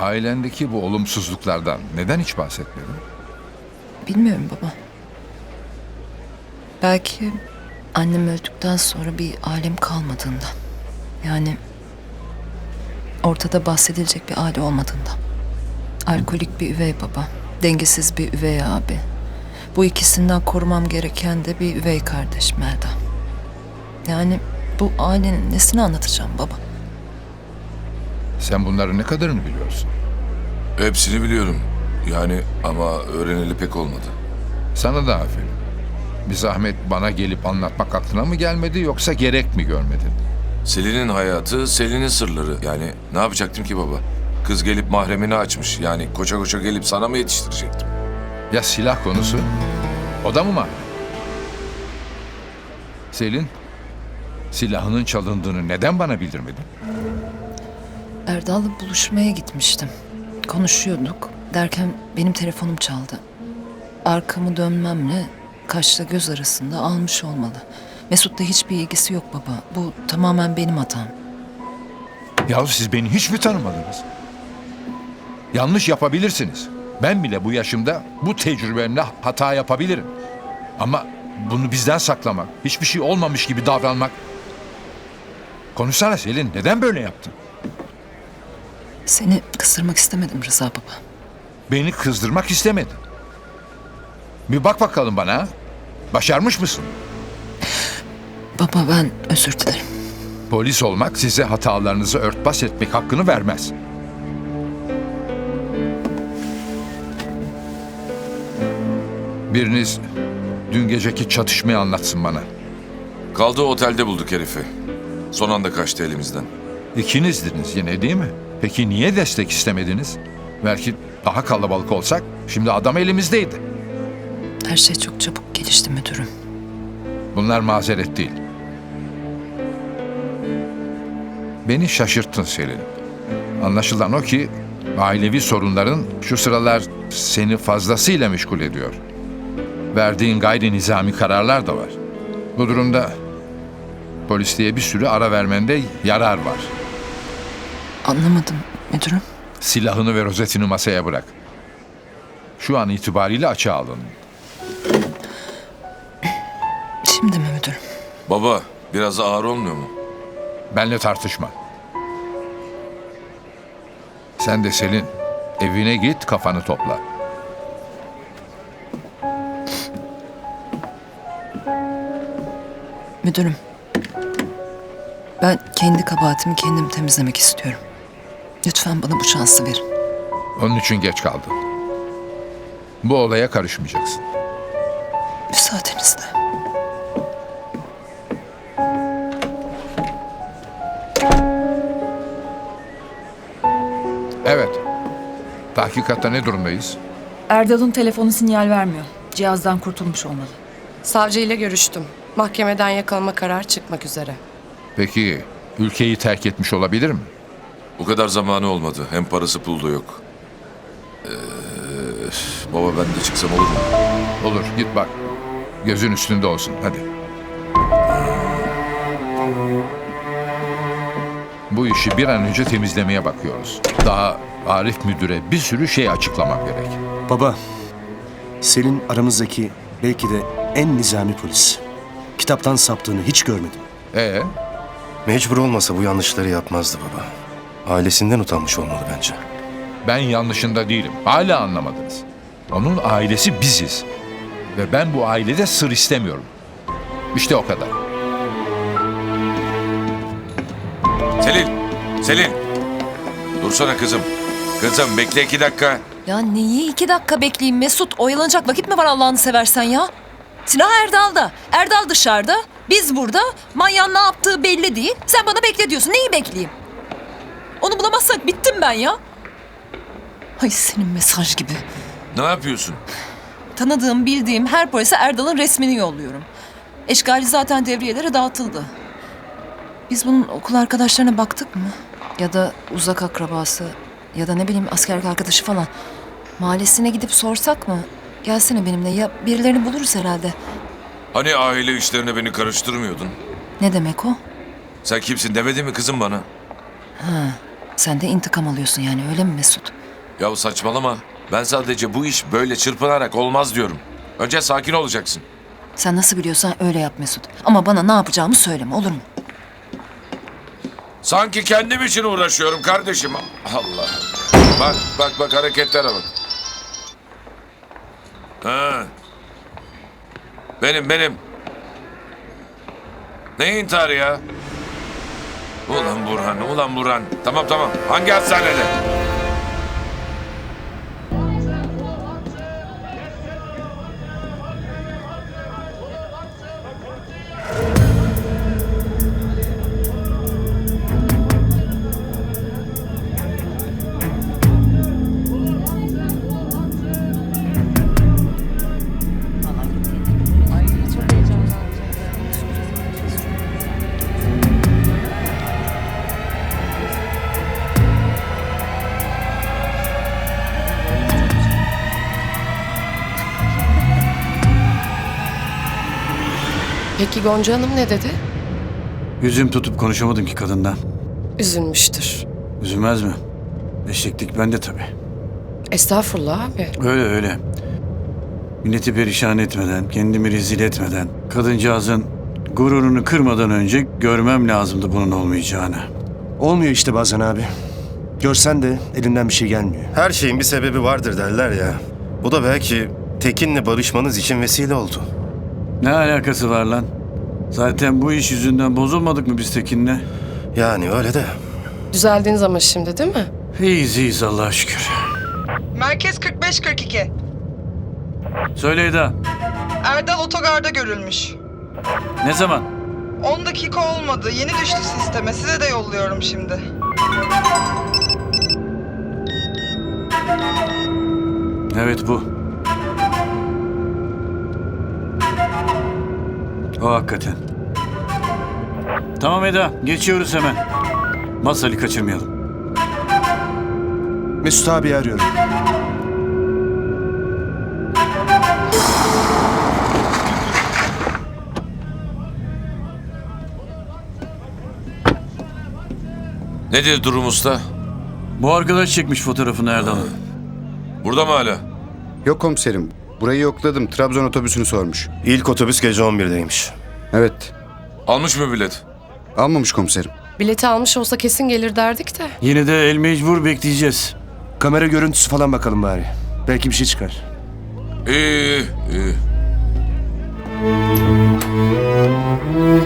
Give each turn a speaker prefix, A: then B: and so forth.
A: Ailendeki bu olumsuzluklardan neden hiç bahsetmedin?
B: Bilmiyorum baba. Belki annem öldükten sonra bir ailem kalmadığından. Yani ortada bahsedilecek bir aile olmadığından. Alkolik bir üvey baba, dengesiz bir üvey abi. Bu ikisinden korumam gereken de bir üvey kardeş Melda. Yani bu ailenin nesini anlatacağım baba?
A: Sen bunların ne kadarını biliyorsun?
C: Hepsini biliyorum. Yani ama öğreneli pek olmadı.
A: Sana da aferin. Bir zahmet bana gelip anlatmak aklına mı gelmedi yoksa gerek mi görmedin?
C: Selin'in hayatı, Selin'in sırları. Yani ne yapacaktım ki baba? Kız gelip mahremini açmış. Yani koça koça gelip sana mı yetiştirecektim?
A: Ya silah konusu? O da mı var? Selin, silahının çalındığını neden bana bildirmedin?
B: Erdal'la buluşmaya gitmiştim. Konuşuyorduk derken benim telefonum çaldı. Arkamı dönmemle kaşla göz arasında almış olmalı. Mesut'la hiçbir ilgisi yok baba. Bu tamamen benim hatam.
A: Yahu siz beni hiç mi tanımadınız? Yanlış yapabilirsiniz. Ben bile bu yaşımda bu tecrübemle hata yapabilirim. Ama bunu bizden saklamak, hiçbir şey olmamış gibi davranmak... Konuşsana Selin, neden böyle yaptın?
B: Seni kızdırmak istemedim Rıza baba.
A: Beni kızdırmak istemedin. Bir bak bakalım bana. Ha? Başarmış mısın?
B: Baba ben özür dilerim.
A: Polis olmak size hatalarınızı örtbas etmek hakkını vermez. Biriniz dün geceki çatışmayı anlatsın bana.
C: Kaldığı otelde bulduk herifi. Son anda kaçtı elimizden.
A: İkinizdiniz yine değil mi? Peki niye destek istemediniz? Belki daha kalabalık olsak şimdi adam elimizdeydi.
B: Her şey çok çabuk gelişti müdürüm.
A: Bunlar mazeret değil. Beni şaşırttın Selin. Anlaşılan o ki ailevi sorunların şu sıralar seni fazlasıyla meşgul ediyor. Verdiğin gayri nizami kararlar da var. Bu durumda polisliğe bir sürü ara vermende yarar var.
B: Anlamadım müdürüm.
A: Silahını ve rozetini masaya bırak. Şu an itibariyle açığa alın.
B: Şimdi mi müdürüm?
C: Baba, biraz ağır olmuyor mu?
A: Benle tartışma. Sen de Selin, evine git kafanı topla.
B: Müdürüm. Ben kendi kabahatimi kendim temizlemek istiyorum. Lütfen bana bu şansı verin.
A: Onun için geç kaldın. Bu olaya karışmayacaksın.
B: Müsaadenizle.
A: Evet. Tahkikatta ne durumdayız?
D: Erdal'ın telefonu sinyal vermiyor. Cihazdan kurtulmuş olmalı.
E: Savcıyla görüştüm. Mahkemeden yakalama kararı çıkmak üzere.
A: Peki ülkeyi terk etmiş olabilir mi?
C: O kadar zamanı olmadı. Hem parası pulu da yok. Baba ben de çıksam olur mu?
A: Olur git bak. Gözün üstünde olsun hadi. Bu işi bir an önce temizlemeye bakıyoruz. Daha Arif müdüre bir sürü şey açıklamam gerek.
F: Baba, Selin aramızdaki belki de en nizami polis. Kitaptan saptığını hiç görmedim.
G: Mecbur olmasa bu yanlışları yapmazdı baba. Ailesinden utanmış olmalı bence.
A: Ben yanlışında değilim. Hala anlamadınız. Onun ailesi biziz. Ve ben bu ailede sır istemiyorum. İşte o kadar.
C: Selin! Selin! Dursana kızım. Kızım bekle 2 dakika.
B: Ya neyi 2 dakika bekleyeyim Mesut? Oyalanacak vakit mi var Allah'ını seversen ya? Silah Erdal'da. Erdal dışarıda. Biz burada. Manyağın ne yaptığı belli değil. Sen bana bekle diyorsun. Neyi bekleyeyim? Onu bulamazsak bittim ben ya. Ay senin mesaj gibi.
C: Ne yapıyorsun?
B: Tanıdığım, bildiğim her polise Erdal'ın resmini yolluyorum. Eşgali zaten devriyelere dağıtıldı. Biz bunun okul arkadaşlarına baktık mı? Ya da uzak akrabası ya da ne bileyim askerlik arkadaşı falan. Mahallesine gidip sorsak mı? Gelsene benimle ya birilerini buluruz herhalde.
C: Hani aile işlerine beni karıştırmıyordun?
B: Ne demek o?
C: Sen kimsin demedi mi kızım bana?
B: Sen de intikam alıyorsun yani, öyle mi Mesut?
C: Yahu saçmalama. Ben sadece bu iş böyle çırpınarak olmaz diyorum. Önce sakin olacaksın.
B: Sen nasıl biliyorsan öyle yap Mesut. Ama bana ne yapacağımı söyleme, olur mu?
C: Sanki kendim için uğraşıyorum kardeşim. Allah. Bak hareketlere bak. Ha. Benim. Ne intiharı ya? Ulan Burhan. Tamam. Hangi hastanede?
E: Peki Gonca Hanım ne dedi?
H: Yüzüm tutup konuşamadım ki kadından.
E: Üzülmüştür.
H: Üzülmez mi? Eşeklik bende tabii.
E: Estağfurullah abi.
H: Öyle. Milleti perişan etmeden, kendimi rezil etmeden, kadıncağızın gururunu kırmadan önce görmem lazımdı bunun olmayacağını.
F: Olmuyor işte bazen abi. Görsen de elinden bir şey gelmiyor.
G: Her şeyin bir sebebi vardır derler ya. Bu da belki Tekin'le barışmanız için vesile oldu.
H: Ne alakası var lan? Zaten bu iş yüzünden bozulmadık mı biz Tekin'le?
G: Yani öyle de.
E: Düzeldiniz ama şimdi değil mi?
H: İyiyiz Allah'a şükür.
I: Merkez 45-42.
H: Söyle Eda,
I: Erdal otogarda görülmüş.
H: ne zaman?
I: 10 dakika olmadı. Yeni düştü sisteme. Size de yolluyorum şimdi.
H: Evet bu. O hakikaten. Tamam Eda, geçiyoruz hemen. Masal'ı kaçırmayalım.
F: Mesut abi arıyorum.
C: Nedir durum usta?
H: Bu arkadaş çekmiş fotoğrafını Erdal'ın.
C: Burada mı hala?
J: Yok komiserim. Burayı yokladım. Trabzon otobüsünü sormuş.
G: İlk otobüs gece 11'deymiş.
J: Evet.
C: Almış mı bilet?
J: Almamış komiserim.
E: Bileti almış olsa kesin gelir derdik de.
H: Yine de el mecbur bekleyeceğiz.
F: Kamera görüntüsü falan bakalım bari. Belki bir şey çıkar.
C: İyi.